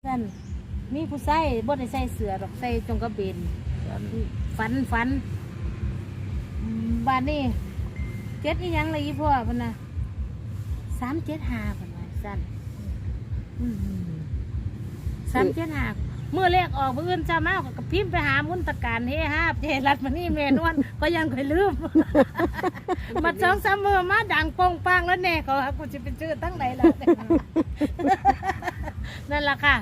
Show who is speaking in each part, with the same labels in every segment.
Speaker 1: นั่นมีผู้ใส่บ่ได้ใส่เสื้อดอกใส่จงกระเบนฝันบ้านนี้เจ็ดอีหยังเลยอีพ่อเพิ่นน่ะ375เพิ่นว่าซั่น375มื้อเลขออกมื้ออื่นเช้ามาก็พิมพ์ไปหามุนตะการเฮฮาเจรัดมานี่แม่นวลก็ยังค่อยลืม มา2-3มื้อมาดังโป่งปังแล้วแน่เขาว่ากูสิไปซื้อตั้งไหนล่ะ นั่นล่ะค่ะ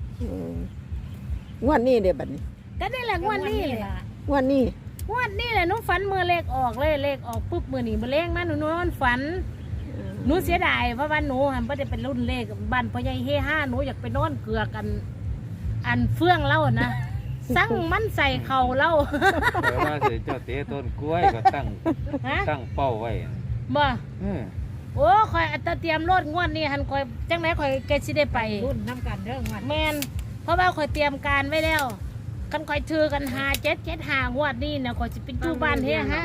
Speaker 2: งวดนี้เด้บัดนี้
Speaker 1: ก็นี่แหละงวดนี้เลย
Speaker 2: งวดนี้
Speaker 1: แหละหนูฝันมือเลขออกเลยเลขออกปุ๊บมือนี่มือเลขมาหนูนอนฝันหนูเสียดายเพราะว่าหนูหันไม่ได้เป็นรุ่นเลขบ้านพ่อใหญ่เฮห้าหนูอยากไปนอนเกลือกันอันเฟื่องเล่านะสั่งมันใส่เข่าเล่า
Speaker 3: แต่ว่าสิเจ้าเตะต้นกล้วยก็ตั้งเป้าไว้
Speaker 1: บ่โอ้คอยอัตเตรียมรถงวดนี้หันคอยจังไหนคอยแกสิได้ไปรุ่นน้ำกันเรื่องวันแมนเพราะว่าคอยเตรียมการไว้แล้วกันคอยถือกัน5775งวดนี้นะคอยจะไปอยู่บ้านเฮห้า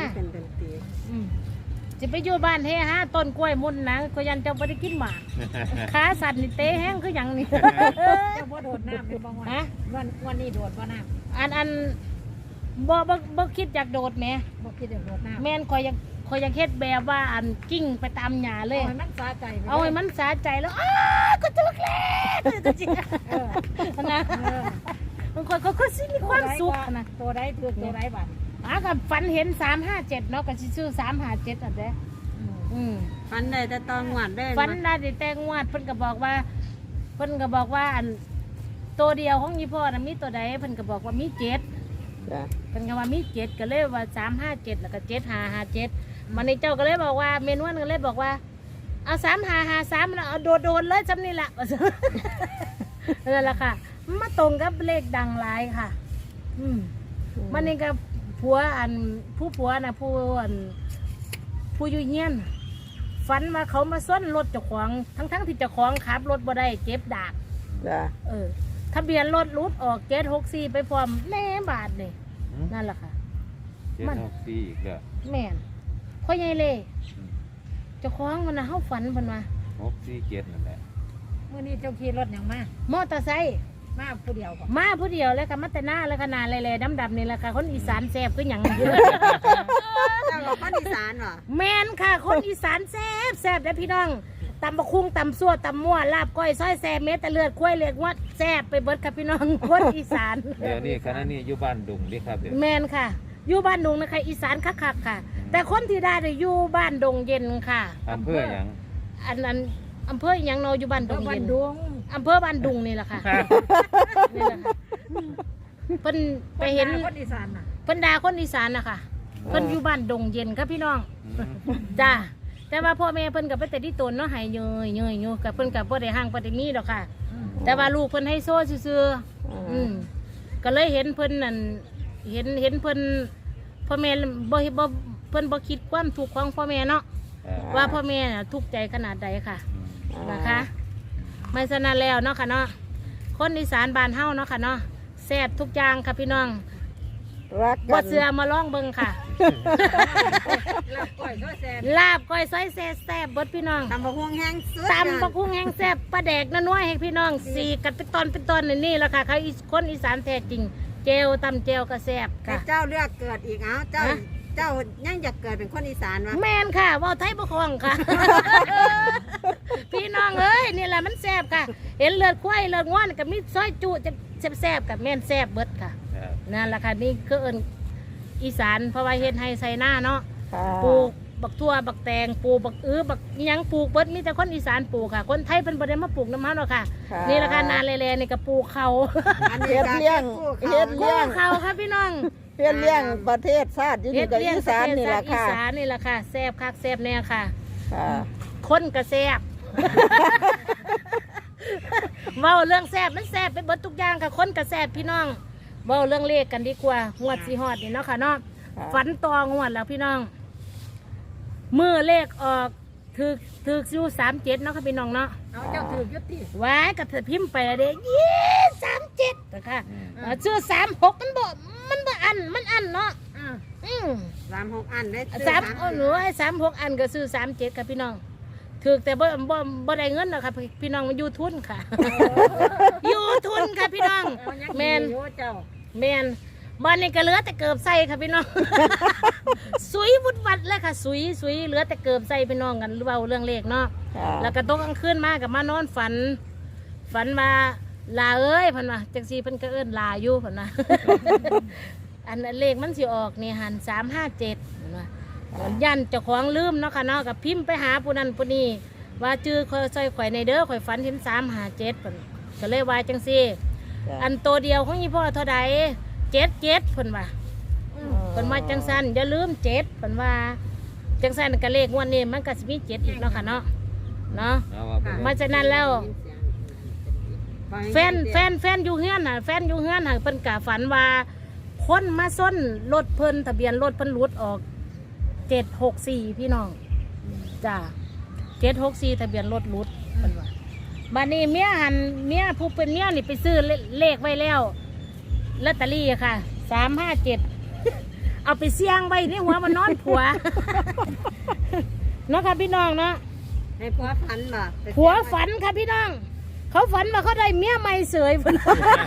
Speaker 1: จะไปอยู่บ้านเฮห้าต้นกล้วยมุนนะก็ยันจะไม่ได้กินหมากขาสั่นนี่เตะแห้งคืออย่างนี้
Speaker 4: จะบ่โดดน้ำเป็นบางวันนี้โดดบ่น้
Speaker 1: ำอันบ่คิดอยากโดดแม่
Speaker 4: บ่คิดอยากโดดน้ำ
Speaker 1: แม่นคอยยังเฮ็ดแบบว่าอันกิ้งไปตามหญ้าเลย
Speaker 4: เอาให้มันสาใจ
Speaker 1: แล้วก็ถึกแล้วจริงนะมันคอยก็สิมีความสุขนะ
Speaker 4: ตัวใดถือตัวใดบัด
Speaker 1: กับฝันเห็น357เนาะก็สิซื้อ357อันเด้
Speaker 2: ฝันได้แต่ตอนงวดได้
Speaker 1: ฝันได้แต่งวดเพิ่นก็บอกว่าอันตัวเดียวของยี่พ่อน่ะมีตัวใดเพิ่นก็บอกว่ามี7เพิ่นก็ว่ามี7ก็เลยว่า357แล้วก็7557มันนี่เจ้าก็เลยบอกว่าเมนวนก็เลยบอกว่าเอา3553แล้วเอาโดนเลยจำนี่แหละนั่นแหละค่ะมาตรงกับเลขดังหลายค่ะมันนี่ก็ผัวนะผู้อยู่เฮียนฝันว่าเขามาส้นรถเจ้าของทั้งที่เจ้าของขับรถบ่ได้เจ็บดากทะเบียนรถรุดออก764ไปพร้อมแม่บาทนี่นั่นแหละค่ะ
Speaker 3: 764อีกแล้ว
Speaker 1: แม่นพ่อใหญ่เลยเจ้าของมันน่ะเฮาฝันเพิ่นว่า
Speaker 3: 647นั่นแหละ
Speaker 4: มื้อนี้เจ้าขี่รถหยังมาม
Speaker 1: อเตอร์ไซค์
Speaker 4: มาผู้เดียว
Speaker 1: แล้วค่ะมาแต่หน้าแล้วขนาดเลยดำๆนี่แหละค่ะคนอีสานแซ่บคือหยัง
Speaker 2: เจ้าคนอีสานเหรอ
Speaker 1: แม่นค่ะคนอีสานแซ่บเด้อพี่น้องตำบักคุ้งตำซั่วตำมั่วลาบก้อยซอยแซ่บเม็ดแต่เลือดกล้วยเลือดงวดแซ่บไปเบิดค่ะพี่น้องคนอีสาน
Speaker 3: เดี๋ยวนี้คณะนี้อยู่บ้านดุงดิครับ
Speaker 1: แม่นค่ะอยู่บ้านดงนะคะอีสานคักๆค่ะแต่คนที่ได้อยู่บ้านดงเย็นค่ะ
Speaker 3: อำเภอหยัง
Speaker 1: อันอำเภอหยังเนาะอยู่บ้านดงเย็นอำเภอบ้านดุงนี่แหละค่ะนี่แหละค่ะเพิ่นไปเห็น
Speaker 4: คนอีสานน่ะ
Speaker 1: เพิ่นด่าคนอีสานน่ะค่ะเพิ่นอยู่บ้านดงเย็นครับพี่น้องจ้าแต่ว่าพ่อแม่เพิ่นกับไปแต่ที่ตนเนาะให้เยยกับเพิ่นกับบ่ได้ห่างบ่ได้มีดอกค่ะแต่ว่าลูกเพิ่นให้โซ่ซื่อก็เลยเห็นเพิ่นนั่นเห็นเพิ่นพ่อแม่บ่เพิ่นบ่คิดความทุกข์ของพ่อแม่เนาะว่าพ่อแม่น่ะทุกข์ใจขนาดใดค่ะนะคะไม่ฉะนั้นแล้วเนาะค่ะเนาะคนอีสานบ้านเฮาเนาะค่ะเนาะแซ่บทุกอย่างค่ะพี่น้องบ่เสือมาลองเบิ่งค่ะลาบก้อยซอยแซ่บเบิดพี่น้อง
Speaker 2: ตำบักหุ่งแห้ง
Speaker 1: แซ่บปลาแดกน้อยให้พี่น้องสีกัดเป็นตอนนี่แหละค่ะเขาคนอีสานแท้จริงเจลตำเจลก็แซ่บค่ะ
Speaker 2: เจ้าเลือกเกิดอีกเจ้ายังอยากเกิดเป็นคนอีสานวะ
Speaker 1: แมนค่ะว่าไทยบ่คล่องค่ะ พี่น้องเอ้ยนี่แหละมันแซ่บค่ะเห็นเลือดควายเลือดง้อนกับมีซอยจุจะแซ่บกับแม่นแซ่บเบิดค่ะนั่นแหละค่ะนี่คืออีสานเพราะว่าเฮ็ดให้ใส่หน้าเนาะปลูกบักทั่วบักแตงปลูกบักบักยังปลูกเบิดมีแต่คนอีสานปลูกค่ะคนไทยเป็นบ่ได้มาปลูกน้ำมันหรอกค่ะนี่แหละค่ะนาแลนี่ก็ปลูกเขา
Speaker 2: เฮ็ดเลี้ยง
Speaker 1: เขาค่ะพี่น้อง
Speaker 2: เฮ็ดเลี้ยงประเทศชาติอยู่กับอีสานนี่แหละค่ะ
Speaker 1: อีสานนี่แหละค่ะแซ่บคักแซ่บแน่ค่ะคนก็แซ่บเว้าเรื่องแซ่บมันแซ่บไปเบิดทุกอย่างค่ะคนก็แซ่บพี่น้องเว้าเรื่องเลขกันดีกว่างวดสิฮอดนี่เนาะค่ะเนาะฝันต่องวดแล้วพี่น้องมือเลขออกถืออยู่37เนาะค่ะพี่น้องเนาะ
Speaker 4: เอาเจ้าถือยุติ
Speaker 1: ไว้กับเธอพิมพ์ไปเด้37นะคะชื่อ36มันบ่อันเนาะ
Speaker 2: 36อันได้
Speaker 1: หนูให้36อันก็ซื้อ37ค่ะพี่น้องถือแต่บ่ได้เงินหรอกค่ะพี่น้องมันยูทุนค่ะยูทุนน
Speaker 4: โยเจ้า
Speaker 1: แมนบ้านนี้ก็เหลือแต่เกิบใส่ค่ะพี่น้อง สุยวุดวัดเลยค่ะสุยเหลือแต่เกิบใส่พี่น้องกันเบาเรื่องเลขเนาะ
Speaker 5: ค่ะ
Speaker 1: แล้วก็ตกกลางคืนมากับมานอนฝันมาลาเอ้ยเพันว่าจังสีเพิ่นก็เอิ้นลาอยู่เพันว่า อันเลขมันสิออกนี่หัน357เห็นว่ายันเจ้าของลืมเนาะค่ะเนาะกับพิมพ์ไปหาผู้นั้นผู้นี้ว่าจื้อคอยซอยข่อยในเด้อข่อยฝันเห็น357เพิ่นก็เลยว่าจังซี่
Speaker 5: จ้ะ
Speaker 1: อันตัวเดียวของยี่พ่อเท่าใด7เพิ่นว่าเพิ่นว่าจังสันอย่าลืม7เพิ่นว่าจังสันก็เลขงวดนี้มันก็สิมี7อีกเนาะค่ะเนาะ
Speaker 3: เอาว่าไปเลย
Speaker 1: มาจากนั้นแล้ว แฟนอยู่เฮือนน่ะแฟนอยู่เฮือนน่ะเพิ่นกะฝันว่าคนมาส้นรถเพิ่นทะเบียนรถเพิ่นหลุดออก764พี่น้องจ้า764ทะเบียนรถหลุดเพิ่นว่าบัดนี้เมียผู้เป็นเมียนี่ไปซื้อเลขไว้แล้วลอตเตอรี่อะค่ะ357 เอาไปเสี่ยงไว้ในหัวมันนอนผัว เนาะค่ะพี่น้องเนาะ
Speaker 2: ให้ผัวฝันบ่
Speaker 1: ผัวฝันค่ะพี่น้อง เขาฝันว่าเขาได้เมียใหม่เสยพุ่น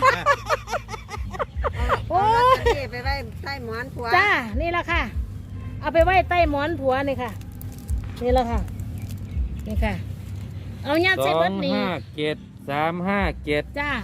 Speaker 2: โอ้ยไปไว้ใต้หมอนผัว
Speaker 1: จ้านี่แหละค่ะ เอาไปไว้ใต้หมอนผัวนี่ค่ะ นี่แหละค่ะ นี่ค่ะ เอาญาติใส่เบิดนี่
Speaker 3: 257 357
Speaker 1: จ้า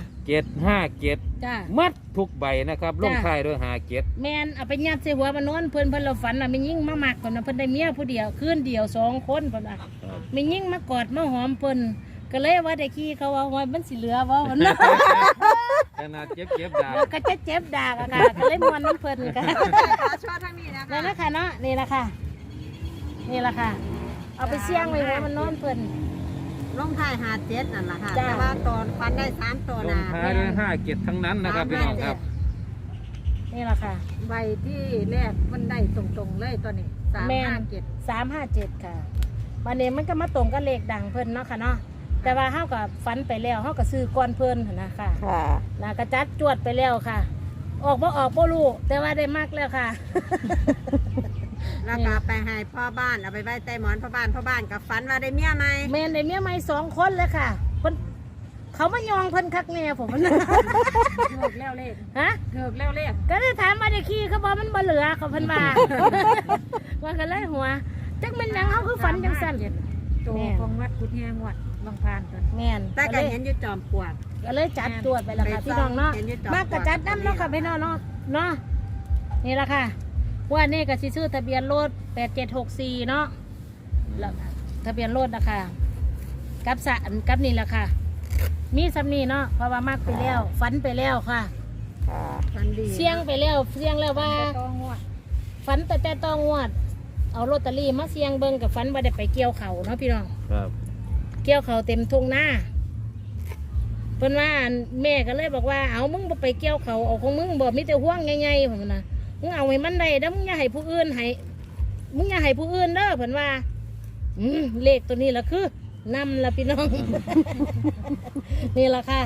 Speaker 3: 757
Speaker 1: จ้า
Speaker 3: มัดทุกใบนะครับลงท้ายด้วย57
Speaker 1: แมนเอาไปญาติใส่หัวมานอนเพิ่นเราฝันว่าไม่ยิ่งมาหมักก่อนนะเพิ่นได้เมียผู้เดียวคืนเดียว2 คนเพิ่นว่าไม่ยิ่งมากอดมาหอมเพิ่นก็เลยว่าได้ขี้เขาว่ามันสิเหลือว่ามัน
Speaker 3: ขนาดเจ็บดาบ
Speaker 1: แล้วก็จะเจ็บดากอะค่ะก็เลยมวนน้ำเพิ่นค่ะ
Speaker 2: ขอชอทั้งนี้นะ
Speaker 1: นั่น
Speaker 2: คะ
Speaker 1: นะคะเนาะนี่แหละค่ะ นี่แหละค่ะ เอาไปเสี่ยงไว้หัวมันนอนเพิ่น
Speaker 2: ลงท้าย57นั่นล่ะค่ะ
Speaker 1: จ้า
Speaker 2: แต่ว่าตอนฟันได้3ตัว
Speaker 3: ล
Speaker 2: นะ
Speaker 3: งท้ายด้วย57ทั้งนั้นนะครับพี่น้องครับ
Speaker 1: นี่แหละค่ะ
Speaker 4: ใบที่แรกมันได้ตรงๆเลยตัวนี้
Speaker 1: แม่น
Speaker 4: 357
Speaker 1: 357ค่ะวันนี้มันก็มาตรงกับเลขดังเพิ่นเนาะค่ะเนาะแต่ว่าเฮากับฝันไปแล้วเฮาก็ซื้อก้อนเพิ่นหั่นนะค่ะ
Speaker 5: ค่ะ
Speaker 1: นะกระจัดจวดไปแล้วค่ะ ออกบ่รู้แต่ว่าได้มากแล้วค่ะ
Speaker 2: แล้วก็ไปให้พ่อบ้านเอาไปไว้ใต้หมอนพ่อบ้านกับฝันว่าได้เมียใหม่
Speaker 1: แม่นได้เมียใหม่2 คนเลยค่ะเพิ่นเขามายองเพิ่นคักแน่ผม
Speaker 4: เกือบแล้วเลข
Speaker 1: ฮะ
Speaker 4: เกือบแล้วเลข
Speaker 1: ก็ได้ถามมาได้ขี้เขาบอกมันบ่เหลือเขาเพิ่นว่า ว่ากันเลยหัวจักมันหยังเขาคือฝันจังซั่น
Speaker 4: ตัว
Speaker 1: แม่
Speaker 4: ของวัดกุดแฮงวัดบางพานตัว
Speaker 1: แม่น
Speaker 2: แต่ก็เห็นอยู่จอมปลวก
Speaker 1: ก็เลยจัดตรวจไปแล้วค่ะ
Speaker 2: ไป
Speaker 1: พี่น้องเนาะ
Speaker 2: เห็นอยู่จอม
Speaker 1: มากกระจัดน้ำเนาะค่ะพี่น้องเนาะนี่ละค่ะว่านี่ก็สิซื้อทะเบียนรถ8764เนาะแล้วทะเบียนรถนะคะกับนี่แหละค่ะ มีสำนีเนาะเพราะว่ามากไปแล้วฝันไปแล้วค่ะ
Speaker 5: ค่ะ
Speaker 2: ฝันดี
Speaker 1: เสี่ยงไปแล้วเสี่ยงแล้วว่า
Speaker 4: จะต้องงวด
Speaker 1: ฝันแต่ต้องงวด เอาลอตเตอรี่มาเสี่ยงเบิ่งกับฝันว่าได้ไปเกี่ยวเขาเนาะพี่น้อง
Speaker 3: ครับ
Speaker 1: เกี่ยวเขาเต็มทุ่งหน้าเพิ่นว่าแม่ก็เลยบอกว่าเอามึงบ่ไปเกี่ยวเขาเอาของมึงบ่มีแต่ห่วงใหญ่ๆเพิ่นน่ะมึงเอาให้มันได้เด้อมึงอย่าให้ผู้อื่นให้มึงอย่าให้ผู้อื่นเด้อเพิ่นว่าเลขตัวนี้ล่ะคือนำละพี่น้อง นี่ล่ะค่ะ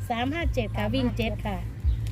Speaker 1: 357ค่ะวิ่ง7ค่ะ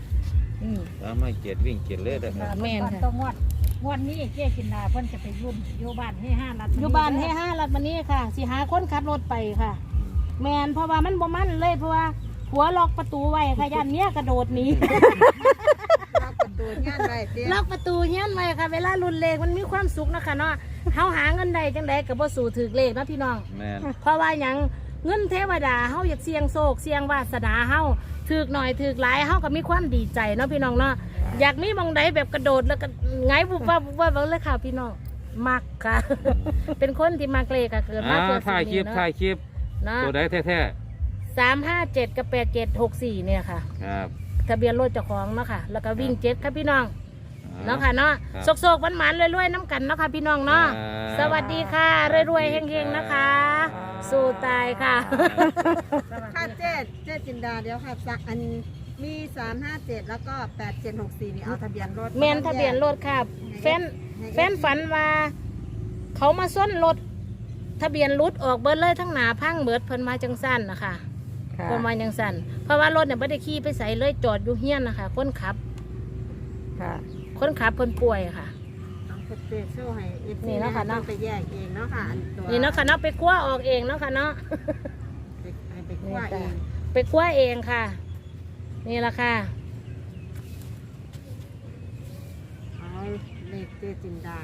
Speaker 3: 357วิ่ง7เลยนะครับ
Speaker 1: แม่นค่ะ
Speaker 4: ต้องงวดนี้เจ๊กินดาเพิ่นจะไปยุ่นอยู่บ้านให้5รัฐ
Speaker 1: อยู่บ้านให้5รัดมานี้ค่ะสิหาคนขับรถไปค่ะ แม่นเพราะว่ามันบ่มันเลยเพราะว่าหัวล็อกประตูไว้ค่ะย่านเมียกระโดดหนี
Speaker 2: ล็อกประตูย่านไว้เตี้ย
Speaker 1: ล็อกประตูเฮี้ยนไว้ค่ะ เวลารุนเลขมันมีความสุขนะคะเนาะเฮาหาเงินได้จังไดก็บ่สู่ถือเลขนะพี่น้อง
Speaker 3: แม่น
Speaker 1: เพราะว่าหยังเงินเทวดาเฮาอยากเสี่ยงโชคเสี่ยงวาสนาเฮาถือหน่อยถือหลายเฮาก็มีความดีใจเนาะพี่น้องเนาะอยากมีหมองใดแบบกระโดดแล้วก็ไงบุบว่าบุบว่าเลยค่ะพี่น้องมักค่ะ เป็นคนที่มักเลขค่ะเกิดมาเกิดสิ่
Speaker 3: ถ่าย
Speaker 1: ง
Speaker 3: คลิ
Speaker 1: นี้
Speaker 3: ป
Speaker 1: เนาะ
Speaker 3: ถ่ายคลิป
Speaker 1: เนาะ
Speaker 3: ตัวใดแท้
Speaker 1: 357กับ8764เนี่ยค่ะ
Speaker 3: ๆครับ
Speaker 1: ทะเบียนรถเจ้าของเนาะค่ะ แล้วก็วิ่ง7ครับพี่น้อง
Speaker 3: อ่า
Speaker 1: เนาะค่ะเนาะ
Speaker 3: ครับ
Speaker 1: โศกๆหวานๆรวยๆน้ำกันเนาะค่ะพี่น้องเนาะ
Speaker 3: ครับ
Speaker 1: สวัสดีค่ะรวยๆเฮงๆนะคะ สู้ตายค่ะ
Speaker 2: ค่ะเจ๊จินดาเดี๋ยวค่ะอันมี357แล้วก็8764นี่เอาทะเบียนรถ
Speaker 1: แมนทะเบียนรถค่ะแฟนฝันว่า เขามาส้นรถทะเบียนรถออกเบิดเลยทั้งหนาพังเบิดเพิ่นมาจังสั้นนะคะ
Speaker 5: ค่ะ
Speaker 1: เพิ่นมาจังสั้นเพราะว่ารถเนี่ยไม่ได้ขี่ไปใส่เลยจอดอยู่เฮี้ยนนะคะคนขับ
Speaker 5: ค่ะ
Speaker 1: คนขับเพิ่นป่วยค่ะ
Speaker 2: เอาเจ๊โชว์ให้ FC
Speaker 1: นี่เนาะค่ะเนาะ
Speaker 2: ไปแยกเองเนาะค่ะอันตัว
Speaker 1: นี่เนาะค่ะเนาะไปคว้าออกเองเนาะค่ะเนาะ
Speaker 2: ไปคั่วเอง
Speaker 1: ไปคว้าเองค่ะ นี่แหละค่ะ
Speaker 2: ขเจจินดา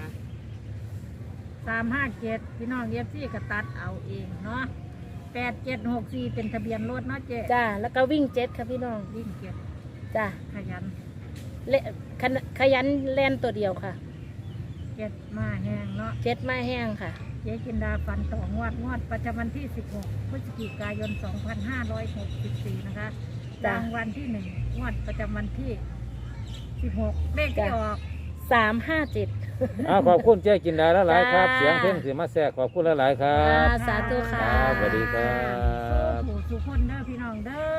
Speaker 4: 357พี่น้องเอฟซีก็ตัดเอาเองเนาะ8764เป็นทะเบียนรถเนาะเจ๊
Speaker 1: จ้าแล้วก็วิ่งเจ็ดค่ะพี่น้อง
Speaker 4: วิ่งเก็บ
Speaker 1: จ้า
Speaker 4: ขยัน
Speaker 1: ขยันแล่นตัวเดียวค่ะ
Speaker 4: เก็บมาแห้งเนาะ
Speaker 1: เจ็ดไม้แห้งค่ะ
Speaker 4: เจ๊จินดาฟันต่องวดประจำวันที่16พฤศจิกายน2564นะคะ
Speaker 1: จ้ะ
Speaker 4: รางวัลที่1งวดประจำวันที่16เลขที่ออก
Speaker 1: 357
Speaker 3: ขอบคุณเจ๊กินดาหลายๆครับ
Speaker 1: จ้า
Speaker 3: เสียงเพลงสิมาแทรกขอบคุณหลายๆครั
Speaker 1: อ่า
Speaker 3: บ
Speaker 1: สาธุค่ะ
Speaker 3: ครับสวัสดีครับ
Speaker 4: สู้ผู้สุขคนเด้อพี่น้องเด้อ